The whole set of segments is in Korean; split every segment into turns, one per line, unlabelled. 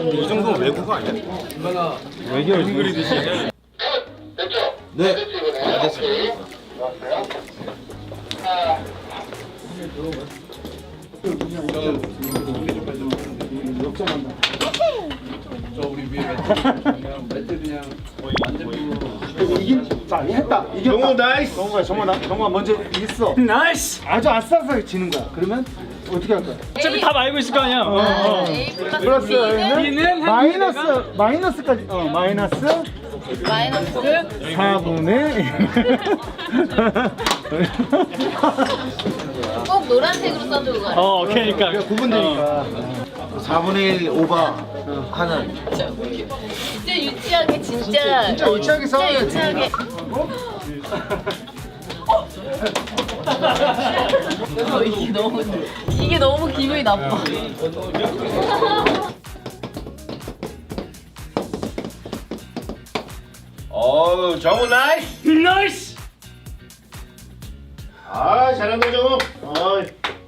이 정도면 외국어 아니야?
외계어 그리듯이.
네. 알겠습니다.
자, 했다. 이겼다.
정우 나이스.
정우가 먼저 있어.
나이스.
아주 아싸싸게 지는 거야. 그러면 어떻게 할 거야?
어차피 답 알고 있을 거 아니야.
A
플러스
B는
마이너스까지. 마이너스
마이너스
4분의
꼭 노란색으로 써주고 가요.
그러니까.
구분되니까.
4분의 1 오버 하는.
진짜 유치하게 진짜
유치하게 싸워야지.
유치하게. 이게 너무 기분이 나빠.
어우 정우 나이스.
나이스.
아 잘한다 정우. 어이.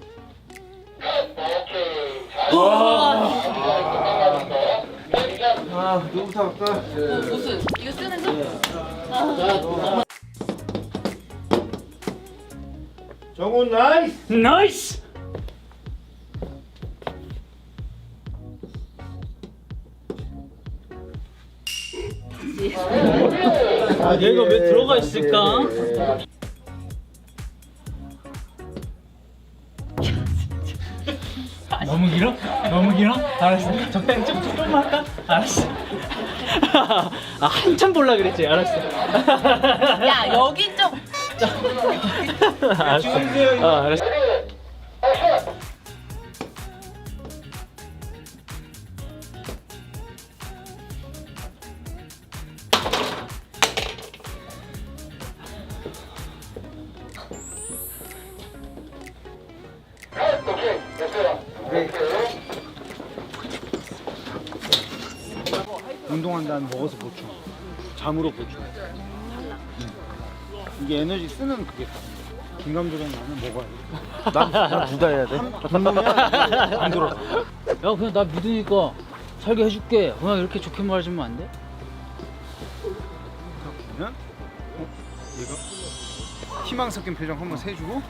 누구부터 할까?
무슨 이거 쓰는 거?
정우 나이스.
나이스. 얘가 왜 들어가 있을까? 너무 길어? 너무 길어? 알았어. 적당히 좀만 할까? 알았어. 한참 볼라 그랬지. 알았어.
야 여기 좀.
알았어. 알았어.
운동한 다음에 먹어서 보충. 잠으로 보충. 이게 에너지 쓰는 그게 김감독은 나는 먹어야 돼. 난둘 다 해야 돼. 안 들어.
야 그냥 나 믿으니까 살게 해줄게. 그냥 이렇게 좋게 말해주면 안 돼?
그러면 얘가 희망 섞인 표정 한번 세주고.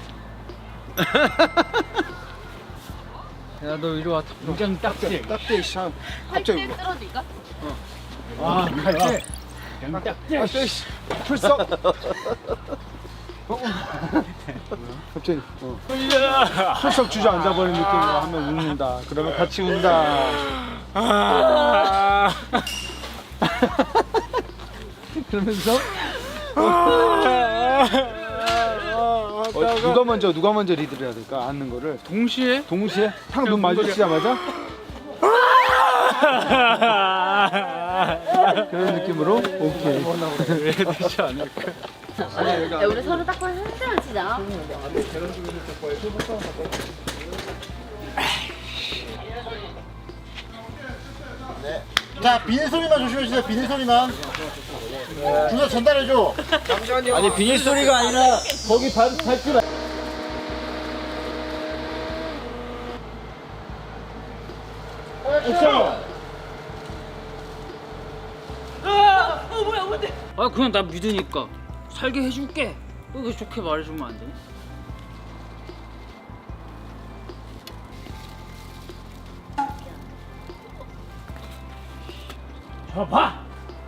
야 너 이리 와. 굉장히 딱지.
딱대 샵.
할때
갑자기.
쓰러질까?
갈때. 딱대 풀썩. 갑자기 풀썩 주저앉아 버린 느낌으로 하면 웃는다. 그러면 같이 운다. 그러면서 누가 먼저 리드를 해야 될까? 앉는 거를
동시에?
탁 눈 마주치자마자 그런 느낌으로 오케이.
왜 되지 않을까?
야 우리 서로 딱 봐서 한잔 치자.
자 비닐 소리만 조심해 주세요. 비닐 소리만. 준호 전달해 줘.
아니 비닐 소리가 아니라 거기 밟지 마.
뭐야 뭔데?
아 그냥 나 믿으니까 살게 해줄게. 왜 좋게 말해주면 안 되니? 저 봐.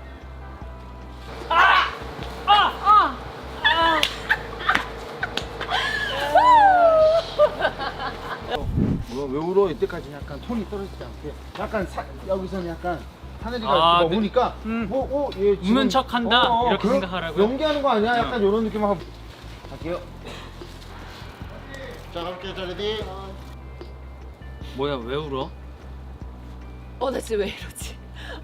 왜 울어? 이때까지 약간 톤이 떨어지지 않게 약간 여기서는 약간 하늘이가
아,
보니까 얘 지금
웃는 척한다? 이렇게
그런-
생각하라고요?
연기하는 거 아니야? 약간 이런 느낌 한번 갈게요.
자 가볼게요. 자 레디.
뭐야 왜 울어?
나 진짜 왜 이러지?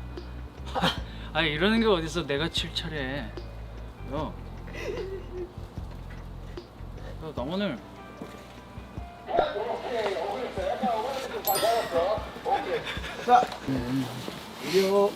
아 이러는 게 어딨어. 내가 칠 차례. 야, 나 오늘
자,
이리요.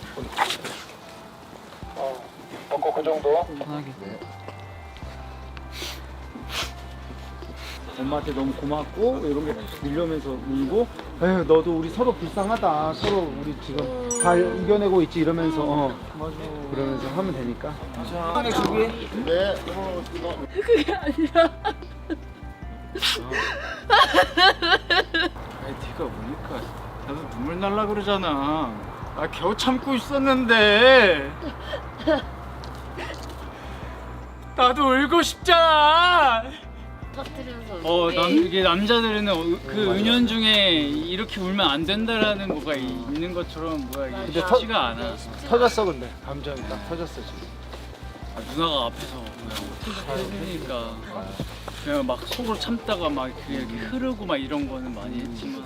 그 정도.
편하게.
엄마한테 너무 고맙고 이런 게 밀려오면서 울고 에휴 너도 우리 서로 불쌍하다 서로 우리 지금 잘 이겨내고 있지 이러면서 그러면서 하면 되니까
네.
그게 아니라.
아니 네가 우니까 나도 눈물 날라 그러잖아 나 겨우 참고 있었는데 나도 울고 싶잖아
터뜨리면서.
이게 남자들은 그 은연중에 이렇게 울면 안 된다라는 뭐가 있는 것처럼 이게 쉽지가 않아.
터졌어 근데 감정이 딱 터졌어 지금
누나가 앞에서 그러니까 그냥 막 속으로 참다가 막 그게 흐르고 막 이런 거는 많이 했지만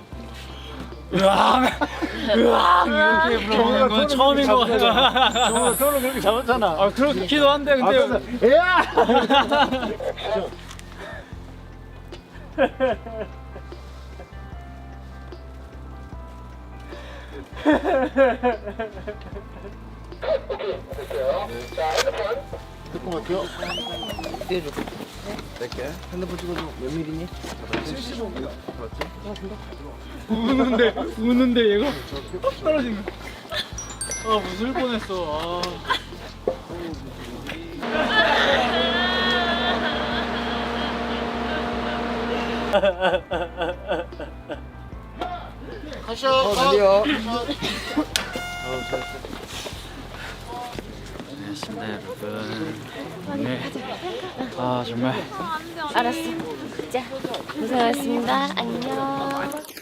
으앙 이렇게 불어보는 건 처음인 것 같아.
정말 서로 그렇게 잡았잖아
아 그렇기도 한데 근데
야!
될것 같아요.
우는데 얘가 딱 떨어지는 거. 아 웃을 뻔했어.
가셔.
달려
안녕하십니까 여러분. 네. 아 정말
알았어. 자, 고생하셨습니다. 안녕.